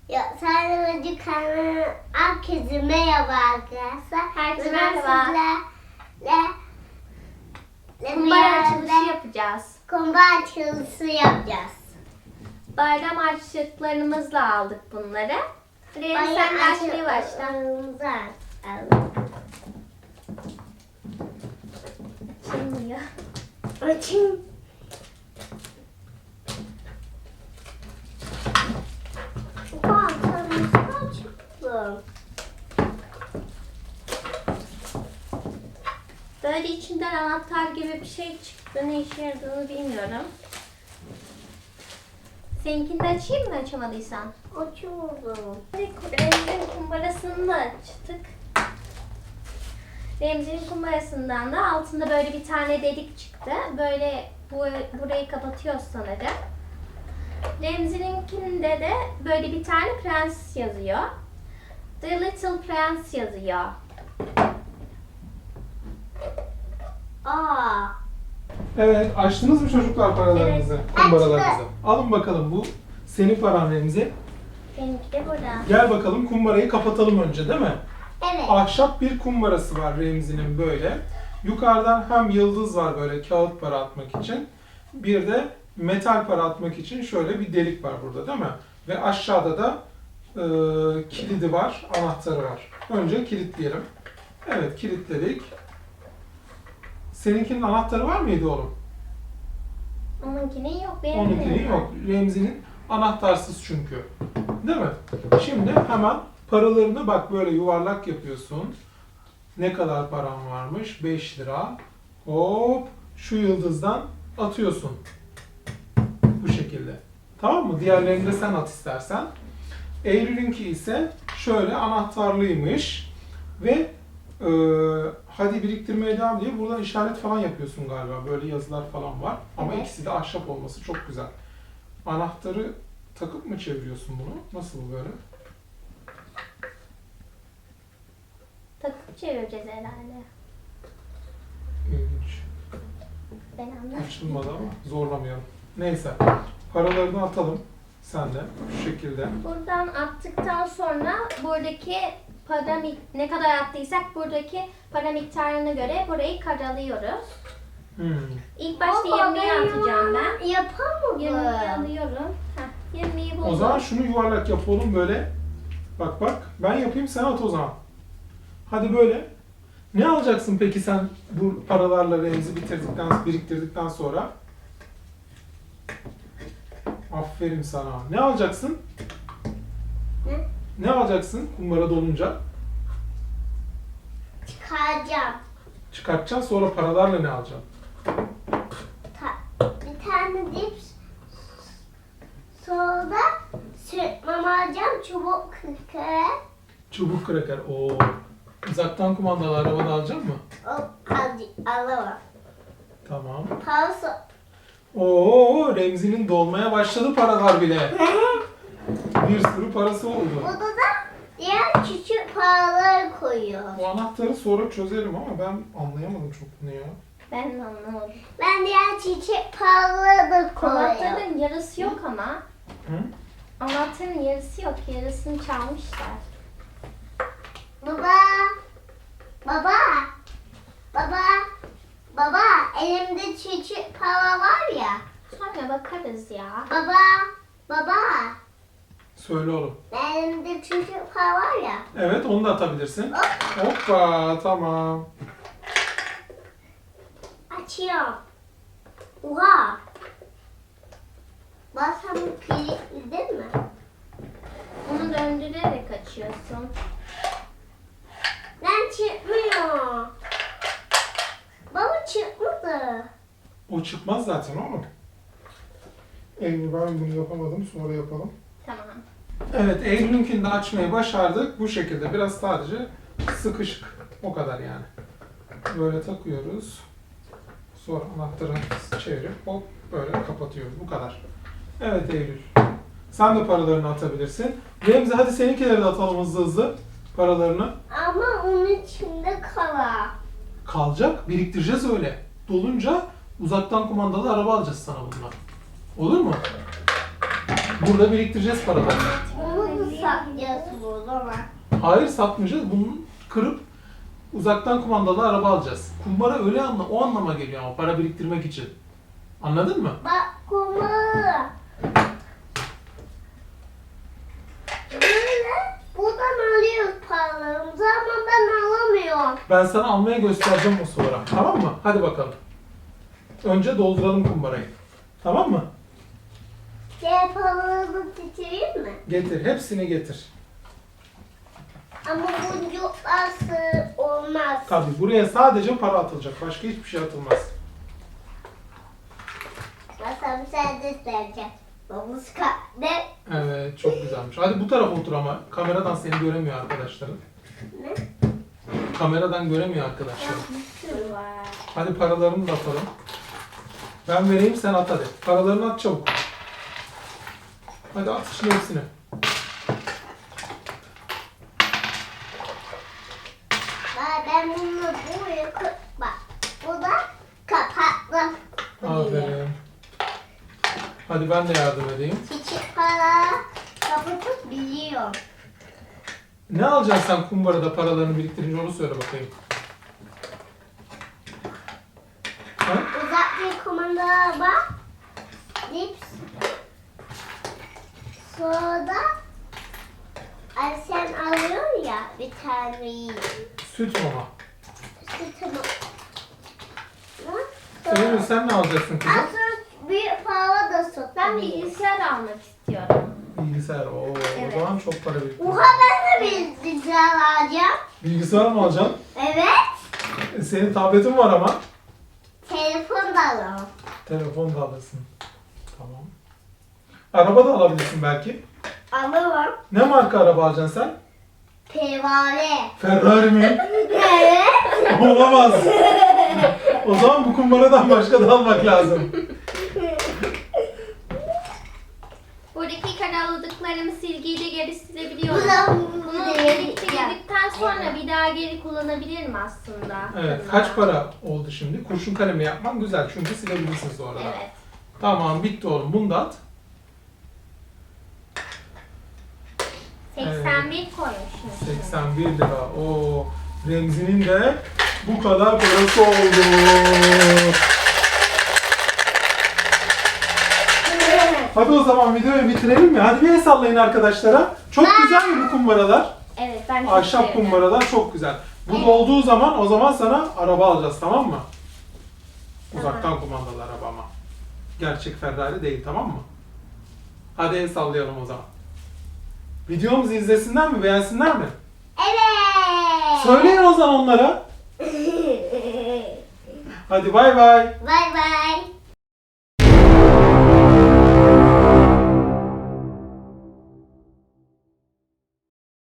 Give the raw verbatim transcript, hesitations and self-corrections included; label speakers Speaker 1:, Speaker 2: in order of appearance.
Speaker 1: Ya sadece kanalın herkese merhaba arkadaşlar.
Speaker 2: Herkese
Speaker 1: Bugün
Speaker 2: merhaba.
Speaker 1: sizlerle
Speaker 2: Kumbara açılışı yapacağız.
Speaker 1: Kumbara açılışı yapacağız.
Speaker 2: Bayram harçlıklarımızla aldık bunları. Reyhan sen de açmaya başla.
Speaker 1: açalım.
Speaker 2: Açılmıyor.
Speaker 1: Açın. Bak sen çıktı.
Speaker 2: Böyle içinden anahtar gibi bir şey çıktı. Ne işe yaradığını bilmiyorum. Seninkini de açayım mı açamadıysan?
Speaker 1: Açıldı.
Speaker 2: Remzi'nin kumbarasını da açtık. Remzi'nin kumbarasından da altında böyle bir tane delik çıktı. Böyle bu, burayı kapatıyoruz sanırım. Remzi'ninkinde de böyle bir tane prens yazıyor. The Little Prince yazıyor.
Speaker 1: Aa.
Speaker 3: Evet, açtınız mı çocuklar paralarınızı,
Speaker 2: Evet,
Speaker 3: kumbaralarınızı?
Speaker 1: açtık.
Speaker 3: Alın bakalım, bu senin paran Remzi.
Speaker 2: Benimki de burada.
Speaker 3: Gel bakalım, kumbarayı kapatalım önce, değil mi?
Speaker 1: Evet.
Speaker 3: Ahşap bir kumbarası var Remzi'nin böyle. Yukarıdan hem yıldız var böyle kağıt para atmak için. Bir de metal para atmak için şöyle bir delik var burada, değil mi? Ve aşağıda da e, kilidi var, anahtarı var. Önce kilitleyelim. Evet, kilitledik. Seninkinin anahtarı var mıydı oğlum?
Speaker 2: Onunkinin yok. Benim
Speaker 3: Onunkinin yok. Remzi'nin anahtarsız çünkü. Değil mi? Şimdi hemen paralarını bak böyle yuvarlak yapıyorsun. Ne kadar param varmış? beş lira. Hop şu yıldızdan atıyorsun. Bu şekilde. Tamam mı? Diğerlerini de sen at istersen. Eylül'ünki ise şöyle anahtarlıymış. Ve e, hadi biriktirmeye devam diye buradan işaret falan yapıyorsun galiba. Böyle yazılar falan var. Ama
Speaker 2: Evet.
Speaker 3: ikisi de ahşap olması çok güzel. Anahtarı takıp mı çeviriyorsun bunu? Nasıl böyle?
Speaker 2: Takıp çevireceğiz herhalde.
Speaker 3: İlginç.
Speaker 2: Ben anladım.
Speaker 3: Açılmadı ama zorlamayalım. Neyse. Paralarını atalım. Sen de. Şu şekilde.
Speaker 2: Buradan attıktan sonra buradaki para mik- ne kadar attıysak buradaki para miktarına göre burayı karalıyoruz.
Speaker 3: Hmm.
Speaker 2: İlk başta
Speaker 1: Baba,
Speaker 2: yirmiyi atacağım ben.
Speaker 1: Yapamadım.
Speaker 2: yirmiyi alıyorum. Heh, yirmiyi buldum.
Speaker 3: O zaman şunu yuvarlak yap oğlum böyle. Bak bak. Ben yapayım sen at o zaman. Hadi böyle. Ne alacaksın peki sen bu paralarla Remzi bitirdikten, biriktirdikten sonra? Aferin sana. Ne alacaksın?
Speaker 1: Ne?
Speaker 3: Ne alacaksın kumbara dolunca?
Speaker 1: Çıkaracağım.
Speaker 3: Çıkartacaksın sonra paralarla ne alacaksın?
Speaker 1: Ta- bir tane dips. Sonra süt mama alacağım. Çubuk kırkı.
Speaker 3: Çubuk kraker. Oo. Uzaktan kumandalı araba da alacak mı?
Speaker 1: O al- alamam.
Speaker 3: Tamam.
Speaker 1: Parası.
Speaker 3: Oo, Remzi'nin dolmaya başladı paralar bile. Bir sürü parası oldu.
Speaker 1: Burada da diğer küçük paraları koyuyor.
Speaker 3: Bu anahtarı sonra çözerim ama ben anlayamadım çok bunu ya.
Speaker 2: Ben de anlamadım.
Speaker 1: Ben diğer çiçek paraları da koyuyorum.
Speaker 2: Anahtarın yarısı yok ama.
Speaker 3: Hı?
Speaker 2: Anahtarın yarısı yok. Yarısını çalmışlar.
Speaker 1: Baba. Baba. Baba. Baba. Elimde çiçek para var ya.
Speaker 2: Sonra bakarız ya.
Speaker 1: Baba. Baba.
Speaker 3: Söyle oğlum.
Speaker 1: Elimde çiçek para var ya.
Speaker 3: Evet onu da atabilirsin.
Speaker 1: Hop.
Speaker 3: Hoppa tamam.
Speaker 1: Açıyorum. Oha. Bak sen bu kilitledin mi?
Speaker 2: Onu döndürerek açıyorsun.
Speaker 1: Ben çıkmıyor. Baba çıkmadı.
Speaker 3: O çıkmaz zaten oğlum. Eylül ben bunu yapamadım sonra yapalım.
Speaker 2: Tamam.
Speaker 3: Evet Eylül'ünkini de açmayı başardık. Bu şekilde biraz sadece sıkışık. O kadar yani. Böyle takıyoruz. Sonra anahtarı çevirip hop böyle kapatıyoruz. Bu kadar. Evet Eylül. Sen de paralarını atabilirsin. Remzi hadi seninkileri de atalım hızlı hızlı. Paralarını.
Speaker 1: Ama onun içinde kala.
Speaker 3: Kalacak. Biriktireceğiz öyle. Dolunca uzaktan kumandalı araba alacağız sana bundan. Olur mu? Burada biriktireceğiz paraları.
Speaker 1: Onu da
Speaker 3: Hayır satmayacağız. Bunu kırıp uzaktan kumandalı araba alacağız. Kumbara öyle anla, o anlama geliyor ama para biriktirmek için. Anladın mı?
Speaker 1: Bak kumbara. Böyle buradan alıyoruz paralarımızı ama ben alamıyorum.
Speaker 3: Ben sana almaya göstereceğim o sonra. Tamam mı? Hadi bakalım. Önce dolduralım kumbarayı. Tamam mı?
Speaker 1: Diğer paralarımı getireyim mi?
Speaker 3: Getir. Hepsini getir.
Speaker 1: Ama boncuklar sığ olmaz.
Speaker 3: Tabii buraya sadece para atılacak. Başka hiçbir şey atılmaz.
Speaker 1: Nasıl bir şey de isteyeceğim. Babuska ne?
Speaker 3: Evet, çok güzelmiş. Hadi bu tarafa otur ama kameradan seni göremiyor arkadaşların.
Speaker 1: Ne?
Speaker 3: Kameradan göremiyor arkadaşlarım.
Speaker 2: Bir sürü var.
Speaker 3: Hadi paralarını da atalım. Ben vereyim, sen at hadi. Paralarını at çabuk. Hadi at şimdi hepsini.
Speaker 1: Bak ben bunu buraya koy. Bak bu da kapaklı.
Speaker 3: Aferin. Hadi ben de yardım edeyim.
Speaker 1: Küçük para kapatıp biliyorum.
Speaker 3: Ne alacaksın sen kumbarada paralarını biriktirince onu söyle bakayım. Ha?
Speaker 1: Uzak bir kumanda bak. Lips. Sonra da ay sen alıyorsun ya bir tane
Speaker 3: Süt mama.
Speaker 1: sütümü.
Speaker 3: Eylül sen ne alacaksın kızım?
Speaker 1: Aslında büyük para da satılıyor.
Speaker 2: Ben bilgisayar almak istiyorum.
Speaker 3: Bilgisayar. Oo,
Speaker 2: Evet.
Speaker 3: o zaman çok para biriktir.
Speaker 1: Oha ben de bilgisayar alacağım.
Speaker 3: Bilgisayar mı alacaksın?
Speaker 1: Evet.
Speaker 3: E, senin tabletin var ama.
Speaker 1: Telefon da alalım.
Speaker 3: Telefon da alırsın. Tamam. Araba da alabilirsin belki.
Speaker 1: Alırım.
Speaker 3: Ne marka araba alacaksın sen?
Speaker 1: Pervane.
Speaker 3: Ferrari mi?
Speaker 1: Evet.
Speaker 3: Olamaz. O zaman bu kumbaradan başka da almak lazım.
Speaker 2: Buradaki karaladıklarımı silgiyle geri silebiliyorum.
Speaker 1: Bu da
Speaker 2: Bunu biriktirdikten sonra bir daha geri kullanabilirim aslında.
Speaker 3: Evet.
Speaker 2: Bunlar.
Speaker 3: Kaç para oldu şimdi? Kurşun kalemi yapman güzel çünkü silebilirsin sonra.
Speaker 2: Evet.
Speaker 3: Tamam bitti oğlum. Bunu da at.
Speaker 2: seksen bir koymuşum.
Speaker 3: seksen bir lira. O Remzi'nin de bu kadar parası oldu. Hadi o zaman videoyu bitirelim mi? Hadi bir el sallayın arkadaşlara. Çok güzel mi bu kumbaralar?
Speaker 2: Evet ben çok
Speaker 3: Ahşap
Speaker 2: sevdim.
Speaker 3: kumbaralar çok güzel. Bu dolduğu zaman o zaman sana araba alacağız, tamam mı? Uzaktan kumandalı araba ama. Gerçek Ferrari değil, tamam mı? Hadi el sallayalım o zaman. Videomuzu izlesinler mi? Beğensinler mi?
Speaker 1: Evet.
Speaker 3: Söyleyin o zaman onlara. Hadi bay bay.
Speaker 1: Bay bay.